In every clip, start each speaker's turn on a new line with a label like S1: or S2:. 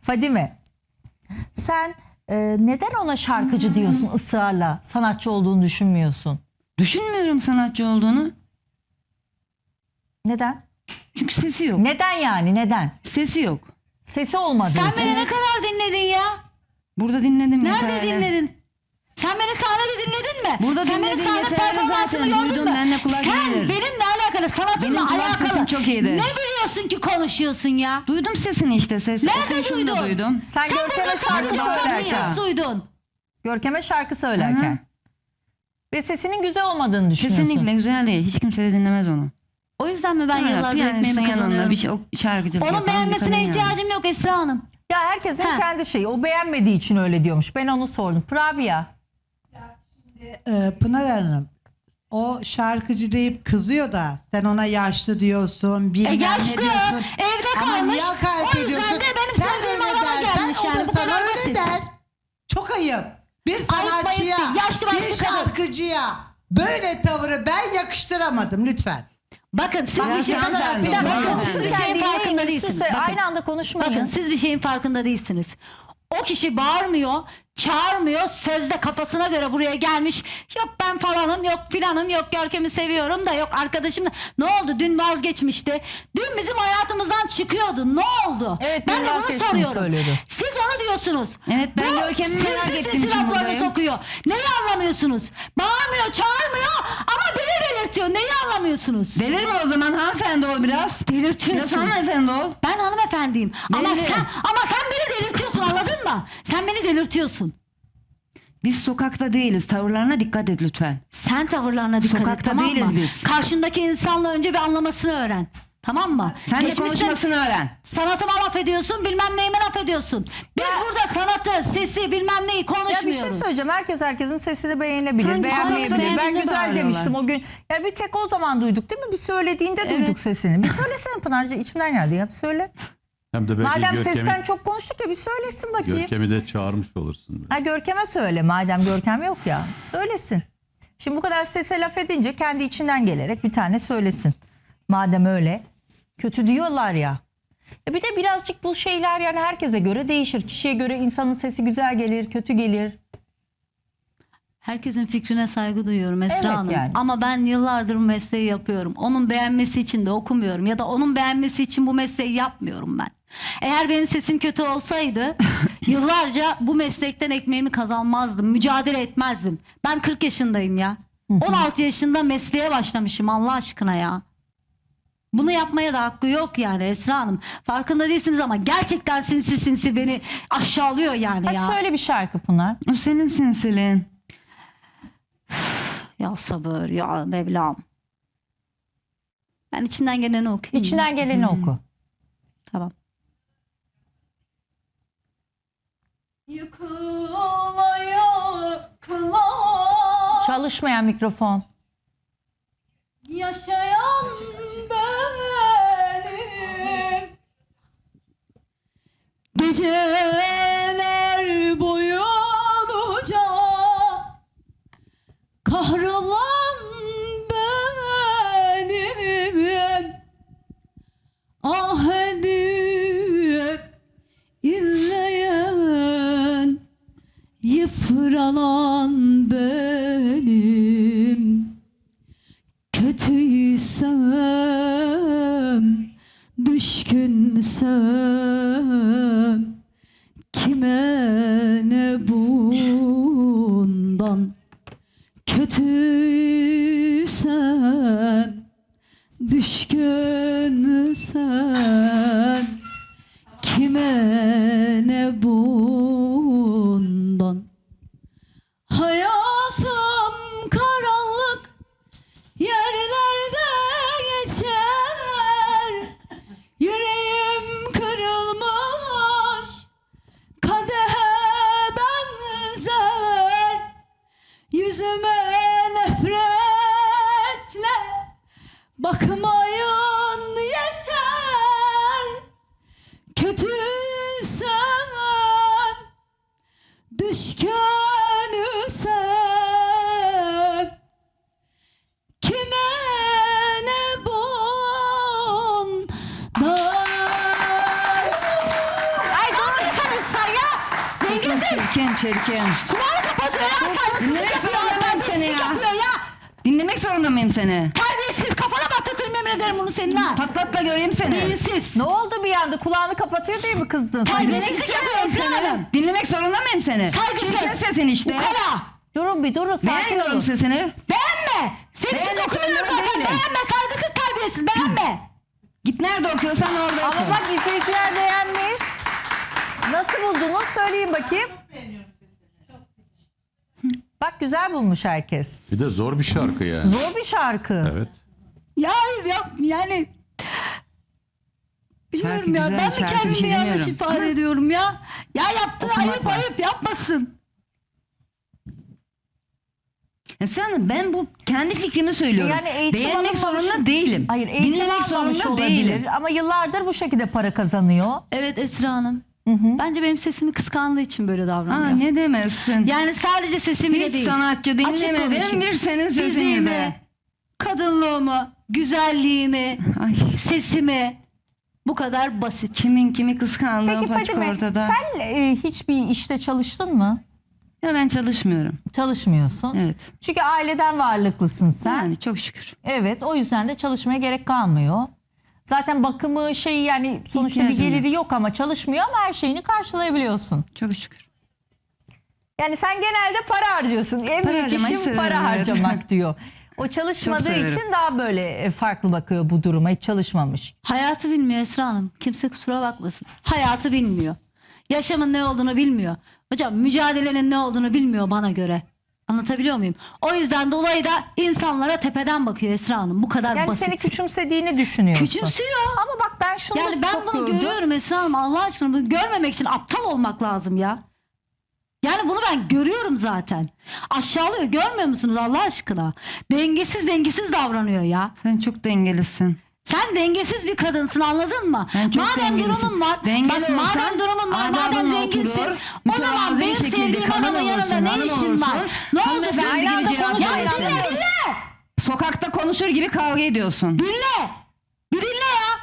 S1: Fadime, sen neden ona şarkıcı diyorsun ısrarla? Sanatçı olduğunu düşünmüyorsun.
S2: Düşünmüyorum sanatçı olduğunu.
S1: Neden?
S2: Çünkü sesi yok.
S1: Neden yani? Neden?
S2: Sesi yok.
S1: Sesi olmadığı
S3: Sen
S1: için.
S3: beni ne kadar dinledin ya?
S2: Burada dinledim.
S3: Nerede
S2: yeterli.
S3: dinledin? Sen beni sahnede dinledin mi?
S2: Burada
S3: Sen benim
S2: dinledin,
S3: sahne
S2: yeterli
S3: performansımı
S2: zaten.
S3: gördün
S2: Duydum,
S3: mü?
S2: benimle kulak
S3: Sen
S2: iyidir.
S3: benimle alakalı, sanatımla
S2: Benim kulak
S3: alakalı.
S2: sesim çok iyidir.
S3: Ne biliyorsun ki konuşuyorsun ya?
S2: Duydum sesini işte.
S3: Nerede
S2: Okuyuşunu da
S3: duydun?
S2: duydum.
S1: Sen Görkem'e
S3: burada
S1: şarkı
S3: şarkı
S1: söylerken.
S3: nasıl duydun?
S1: Görkem'e şarkı söylerken. Ve sesinin güzel olmadığını düşünüyorsun.
S2: Kesinlikle güzel değil. Hiç kimse de dinlemez onu.
S3: O yüzden mi ben yıllardır
S2: Piyanistin
S3: ekmeğimi
S2: yanında
S3: kazanıyorum?
S2: bir şey, şarkıcılık
S3: Onun
S2: yapan bir
S3: beğenmesine
S2: kadın yani.
S3: ihtiyacım yok Esra Hanım.
S1: Ya herkesin
S3: Ha.
S1: kendi şeyi. O beğenmediği için öyle diyormuş. Ben onu sordum. Pravia.
S4: Pınar Hanım, o şarkıcı deyip kızıyor da sen ona yaşlı diyorsun, bilmem
S3: Yaşlı,
S4: ne diyorsun.
S3: evde
S4: Ama
S3: kalmış.
S4: niye hakaret
S3: O yüzden
S4: ediyorsun?
S3: de benim
S4: Sen
S3: sevdiğim
S4: öyle
S3: adama
S4: dersen
S3: gelmiş
S4: o
S3: yani.
S4: da
S3: Bu
S4: sana
S3: kadar
S4: öyle
S3: basit.
S4: der. Çok ayıp. Bir sanatçıya,
S3: ayıp değil. Yaşlı
S4: bir
S3: başlı kadın.
S4: şarkıcıya böyle tavırı ben yakıştıramadım lütfen.
S3: Bakın siz
S4: Bak,
S3: bir şey
S4: ne kadar hak
S3: Bir dakika,
S4: ediyorsun.
S3: bakın, siz bir şeyin
S1: Dinleyin,
S3: farkında
S1: üst
S3: değilsiniz.
S1: üste
S3: Bakın.
S1: aynı anda konuşmayın.
S3: Bakın siz bir şeyin farkında değilsiniz. O kişi bağırmıyor, çağırmıyor, sözde kafasına göre buraya gelmiş. Yok ben falanım, yok filanım, yok Görkem'i seviyorum da, yok arkadaşım da. Ne oldu? Dün vazgeçmişti. Dün bizim hayatımızdan çıkıyordu. Ne oldu?
S1: Evet,
S3: ben
S1: dün
S3: de bunu
S1: vazgeçtiğini
S3: soruyorum.
S1: söylüyordu.
S3: Siz onu diyorsunuz.
S2: Evet, ben
S3: Bu
S2: Görkem'i merak
S3: sinsi
S2: ettiğim
S3: sinsi
S2: için
S3: laflarını
S2: buradayım.
S3: sokuyor. Neyi anlamıyorsunuz? Bağırmıyor, çağırmıyor ama beni delirtiyor. Neyi anlamıyorsunuz?
S2: Delirme o zaman, hanımefendi ol biraz.
S3: Delirtiyorsun.
S2: Biraz hanımefendi ol.
S3: Ben hanımefendiyim. Ama
S2: Belli.
S3: sen beni delirtiyorsun, anladın mı? Sen beni delirtiyorsun.
S2: Biz sokakta değiliz. Tavırlarına dikkat et lütfen.
S3: Sen tavırlarına dikkat et,
S2: Sokakta
S3: tamam
S2: değiliz
S3: mı?
S2: biz.
S3: Karşındaki insanla önce bir anlamasını öğren. Tamam mı?
S2: Sen de
S3: Geçmişsin,
S2: konuşmasını öğren.
S3: sanatıma laf ediyorsun, bilmem neyime laf ediyorsun. Biz burada sanatı, sesi, bilmem neyi
S1: Ya
S3: konuşmuyoruz.
S1: bir şey söyleyeceğim. Herkesin sesini beğenebilir,
S2: Sanki
S1: beğenmeyebilir.
S2: sokakta
S1: Ben
S2: birbirine
S1: güzel
S2: bağırıyorlar.
S1: demiştim o gün. Yani bir tek o zaman duyduk değil mi? Bir söylediğinde duyduk
S3: Evet.
S1: sesini. Bir söylesene Pınar'cığım, içimden geldi ya. Bir söyle.
S5: Hem de belki
S1: Madem
S5: Görkem'i,
S1: sesten çok konuştuk ya, bir söylesin bakayım.
S5: Görkem'i de çağırmış olursun.
S1: Ha, Görkem'e söyle, madem Görkem yok ya. Söylesin. Şimdi bu kadar sese laf edince kendi içinden gelerek bir tane söylesin. Madem öyle. Kötü diyorlar ya. Bir de birazcık bu şeyler yani herkese göre değişir. Kişiye göre insanın sesi güzel gelir, kötü gelir.
S3: Herkesin fikrine saygı duyuyorum Esra
S1: Evet,
S3: Hanım.
S1: yani.
S3: Ama ben yıllardır bu mesleği yapıyorum. Onun beğenmesi için de okumuyorum. Ya da onun beğenmesi için bu mesleği yapmıyorum ben. Eğer benim sesim kötü olsaydı yıllarca bu meslekten ekmeğimi kazanmazdım. Mücadele etmezdim. Ben 40 yaşındayım ya. 16 yaşında mesleğe başlamışım Allah aşkına ya. Bunu yapmaya da hakkı yok yani Esra Hanım. Farkında değilsiniz ama gerçekten sinsi sinsi beni aşağılıyor yani
S1: Hadi
S3: ya.
S1: söyle bir şarkı Pınar.
S2: O senin sinsilin.
S3: Ya sabır ya Mevlam. Ben içimden geleni okuyayım.
S1: İçinden geleni oku.
S3: Tamam.
S6: Yıkıla yıkıla
S1: Çalışmayan mikrofon.
S6: yaşayan benim, geceler boyunca kahrolan benim, ah edip inleyen yıpranan benim. Kötüysem, düşkünsem, kime ne bundan? Kötüysem, düşkünsem, kime ne bundan? Hayatım karanlık yerlerde geçer, yüreğim kırılmış kadehe benzer, yüzüme nefretle bakmayın yeter. Kötüysem
S2: Çirkin.
S3: Kulağını kapatıyor ya. Saygısızlık
S2: Dinlemek
S3: yapıyor.
S2: zorunda mıyım seni
S3: Terbiyesizlik
S2: ya?
S3: yapıyor ya.
S2: Dinlemek zorunda mıyım seni?
S3: Terbiyesiz, kafana patlatırım yemin ederim bunu senin ha.
S2: Patlatla göreyim seni.
S3: Beyinsiz.
S1: Ne oldu bir anda? Kulağını kapatıyor diye mi kızdın?
S3: Terbiyesizlik yapıyor Esra Hanım.
S2: Dinlemek zorunda mıyım seni?
S3: Saygısız.
S2: Çirkin sesin işte.
S3: Ukala.
S1: Durun bir durun. Sakin
S2: Beğenmiyorum
S1: olun.
S2: sesini.
S3: Beğenme. Senin için
S2: Beğenmek
S3: okumuyorum
S2: zorunda
S3: zaten.
S2: değilim.
S3: Beğenme. Saygısız, terbiyesiz. Beğenme.
S2: Git nerede okuyorsan orada oku.
S1: Ama bak izleyiciler beğenmiş. Nasıl buldunuz? Söyleyin bakayım. Bak güzel bulmuş herkes.
S5: Bir de zor bir şarkı yani.
S1: Zor bir şarkı.
S5: Evet.
S3: Ya hayır ya yani. Bilmiyorum ya.
S2: güzel,
S3: Ben mi
S2: şarkı bir
S3: kendimi
S2: şey
S3: yanlış
S2: demiyorum.
S3: ifade ediyorum ya? Ya yaptığı
S2: Okumak
S3: ayıp
S2: var.
S3: ayıp yapmasın.
S2: Esra Hanım ben bu kendi fikrimi söylüyorum.
S1: Yani eğitim
S2: Beğenmek
S1: alınmamış-
S2: zorunda değilim.
S1: Hayır eğitim
S2: Dinlemek
S1: almamış
S2: zorunda
S1: olabilir.
S2: değilim.
S1: Ama yıllardır bu şekilde para kazanıyor.
S3: Evet Esra Hanım. Bence benim sesimi kıskandığı için böyle davranıyor.
S2: Aa, ne demezsin.
S3: Yani sadece sesimi de
S2: Hiç
S3: değil.
S2: sanatçı
S3: Açık
S2: dinlemedim
S3: konuşayım.
S2: bir senin sesini
S3: Fiziğimi,
S2: de.
S3: kadınlığımı, güzelliğimi,
S2: Ay,
S3: sesimi. Bu kadar basit.
S2: kimin kimi kıskandığı
S1: Peki
S2: paçık
S1: Fadime
S2: ortada.
S1: sen hiçbir işte çalıştın mı?
S2: Ya ben çalışmıyorum.
S1: Çalışmıyorsun.
S2: Evet.
S1: Çünkü aileden varlıklısın sen.
S2: Yani çok şükür.
S1: Evet o yüzden de çalışmaya gerek kalmıyor. Zaten bakımı şeyi yani sonuçta bir
S2: İhtiyacım
S1: geliri yok ama çalışmıyor ama her şeyini karşılayabiliyorsun.
S2: Çok şükür.
S1: Yani sen genelde para harcıyorsun. En
S2: Para
S1: büyük
S2: harcamayı
S1: işim
S2: severim,
S1: para
S2: evet.
S1: harcamak diyor. O çalışmadığı
S2: severim.
S1: için daha böyle farklı bakıyor bu duruma. Hiç çalışmamış.
S3: Hayatı bilmiyor Esra Hanım. Kimse kusura bakmasın. Hayatı bilmiyor. Yaşamın ne olduğunu bilmiyor. Hocam mücadelenin ne olduğunu bilmiyor bana göre. Anlatabiliyor muyum? O yüzden dolayı da insanlara tepeden bakıyor Esra Hanım. Bu kadar
S1: Yani
S3: basit.
S1: seni küçümsediğini düşünüyorsun.
S3: Küçümsüyor.
S1: Ama bak ben şunu
S3: Yani ben
S1: çok
S3: bunu
S1: gördüm.
S3: görüyorum Esra Hanım. Allah aşkına bunu görmemek için aptal olmak lazım ya. Yani bunu ben görüyorum zaten. Aşağılıyor. Görmüyor musunuz Allah aşkına? Dengesiz davranıyor ya.
S2: Sen çok dengelisin.
S3: Sen dengesiz bir kadınsın anladın mı?
S2: Sen çok
S3: Madem
S2: dengelisin.
S3: durumun var.
S2: Dengeli
S3: Bak madem
S2: olsan
S3: durumun var. Madem
S2: adabına
S3: zenginsin.
S2: oturur,
S3: O zaman
S2: mütevazi
S3: benim
S2: şekilde
S3: sevdiğim
S2: kadın
S3: adamın yanında
S2: olursun,
S3: ne
S2: hanım
S3: işin var?
S2: olursun.
S3: Ne oldu?
S2: Hanımefendi
S1: Aynı
S2: gibi
S1: anda
S2: cevap
S1: konuşmayın.
S2: verirsin.
S3: Dinle.
S2: Sokakta konuşur gibi kavga ediyorsun.
S3: Dinle. Bir dinle ya.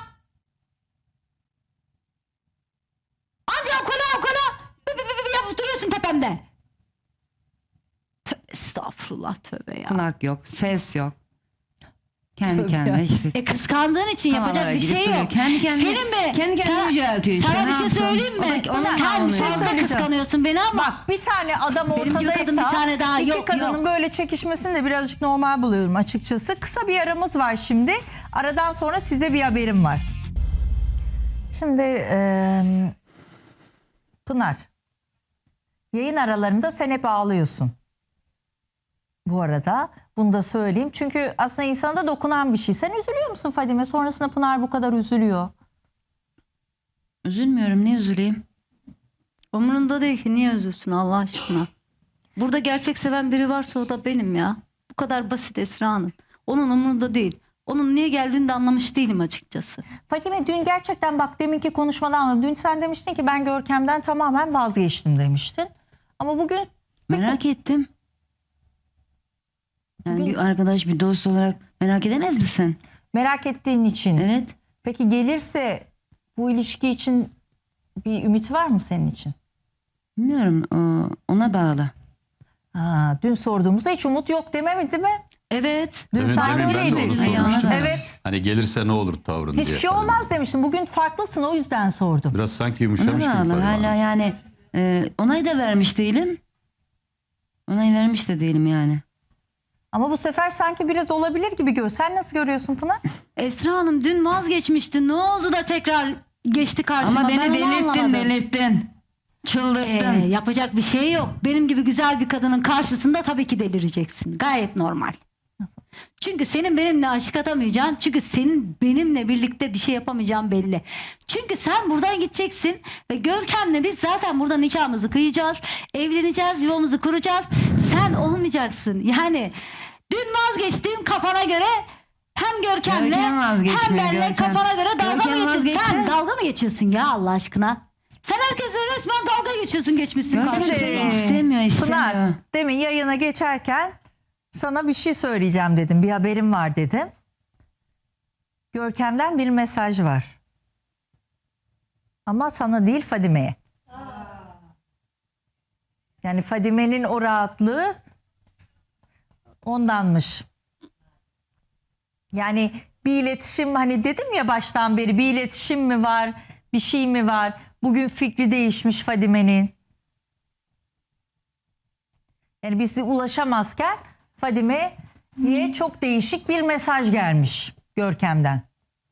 S3: Anca okula. Yapıp duruyorsun tepemde. Tövbe estağfurullah tövbe ya.
S2: Kulak yok, ses yok. Kendi
S1: Tabii
S2: kendine
S1: ya.
S2: işte.
S3: Kıskandığın için
S2: Havalara
S3: yapacak bir
S2: girip
S3: şey
S2: duruyor.
S3: yok.
S2: Kendi kendine-
S3: Senin mi?
S2: kendi kendine yüceltiyor işte,
S3: Sana
S2: ne
S3: bir şey
S2: yapsın?
S3: söyleyeyim mi?
S2: O da- ona
S3: Sen
S2: savunuyor.
S3: fazla
S1: Söyleyeceğim.
S3: kıskanıyorsun beni ama.
S1: Bak bir tane adam
S3: Benim gibi
S1: ortadaysa
S3: kadın bir tane daha
S1: iki
S3: yok,
S1: kadının
S3: yok.
S1: böyle çekişmesini de birazcık normal buluyorum açıkçası. Kısa bir aramız var şimdi. Aradan sonra size bir haberim var. Şimdi Pınar, yayın aralarında sen hep ağlıyorsun. Bu arada bunu da söyleyeyim. Çünkü aslında insana da dokunan bir şey. Sen üzülüyor musun Fadime? Sonrasında Pınar bu kadar üzülüyor.
S2: Üzülmüyorum, niye üzüleyim?
S3: Umurunda değil ki niye üzülsün Allah aşkına. Burada gerçek seven biri varsa o da benim ya. Bu kadar basit Esra Hanım. Onun umurunda değil. Onun niye geldiğini de anlamış değilim açıkçası.
S1: Fatime dün gerçekten bak deminki konuşmadan dün sen demiştin ki ben Görkem'den tamamen vazgeçtim demiştin. Ama bugün
S2: Merak ettim. Yani bir arkadaş, bir dost olarak merak edemez misin?
S1: merak ettiğin için.
S2: Evet.
S1: Peki gelirse bu ilişki için bir ümit var mı senin için?
S2: Bilmiyorum, ona bağlı.
S1: Dün sorduğumuzda hiç umut yok dememedi değil mi?
S3: Evet.
S1: Dün
S5: Demin,
S1: sen
S5: demin ben de
S1: öyleydin.
S5: onu sormuştum.
S1: Evet.
S5: Hani gelirse ne olur tavrın diye.
S1: Hiçbir şey olmaz demiştin. Bugün farklısın o yüzden sordum.
S5: Biraz sanki
S2: Ona
S5: yumuşamış gibi
S2: bağlı.
S5: Fadime
S2: Hala
S5: Hanım.
S2: yani onay da vermiş değilim. Onay vermiş de değilim yani.
S1: Ama bu sefer sanki biraz olabilir gibi gör. Sen nasıl görüyorsun Pınar?
S3: Esra Hanım dün vazgeçmişti. Ne oldu da tekrar geçti karşıma?
S2: Ama
S3: Ben
S2: beni
S3: onu anlamadım.
S2: delirttin. Çıldırttın.
S3: Yapacak bir şey yok. Benim gibi güzel bir kadının karşısında tabii ki delireceksin. Gayet normal. Çünkü senin benimle aşık atamayacağın, çünkü senin benimle birlikte bir şey yapamayacağın belli. Çünkü sen buradan gideceksin ve Görkem'le biz zaten burada nikahımızı kıyacağız, evleneceğiz, yuvamızı kuracağız. Sen olmayacaksın. Yani dün vazgeçtiğin kafana göre hem Görkem'le
S2: Görkem vazgeçmiyor,
S3: hem benle
S2: Görkem.
S3: kafana göre dalga
S2: Görkem
S3: mı geçiyorsun?
S2: vazgeçse-
S3: Sen dalga mı geçiyorsun ya Allah aşkına? Sen herkese resmen dalga geçiyorsun, geçmişsin
S2: Görkem
S3: karşısına.
S2: seni istemiyor.
S1: Pınar demin yayına geçerken sana bir şey söyleyeceğim dedim. Bir haberim var dedim. Görkem'den bir mesaj var. Ama sana değil Fadime'ye. Yani Fadime'nin o rahatlığı ondanmış. Yani bir iletişim, hani dedim ya baştan beri, bir iletişim mi var, bir şey mi var? Bugün fikri değişmiş Fadime'nin. Yani bizi ulaşamazken Fadime'ye çok değişik bir mesaj gelmiş Görkem'den.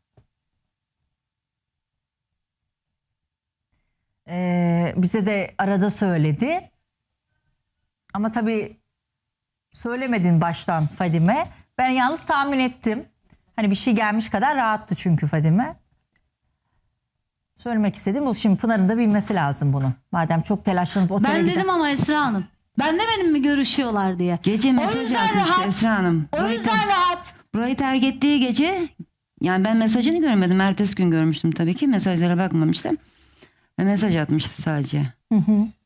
S1: Bize de arada söyledi. Ama tabii söylemedin baştan Fadime. Ben yalnız tahmin ettim. Hani bir şey gelmiş kadar rahattı çünkü Fadime. Söylemek istedim. Bu şimdi Pınar'ın da bilmesi lazım bunu. Madem çok telaşlanıp otele
S3: Ben
S1: giden.
S3: dedim ama Esra Hanım. Ben demedim mi görüşüyorlar diye.
S2: Gece
S3: O
S2: mesaj
S3: yüzden
S2: atmıştı
S3: rahat.
S2: Esra Hanım.
S3: O yüzden rahat.
S2: Burayı terk ettiği gece, yani ben mesajını görmedim. Ertesi gün görmüştüm tabii ki. Mesajlara bakmamıştım. Ve mesaj atmıştı sadece.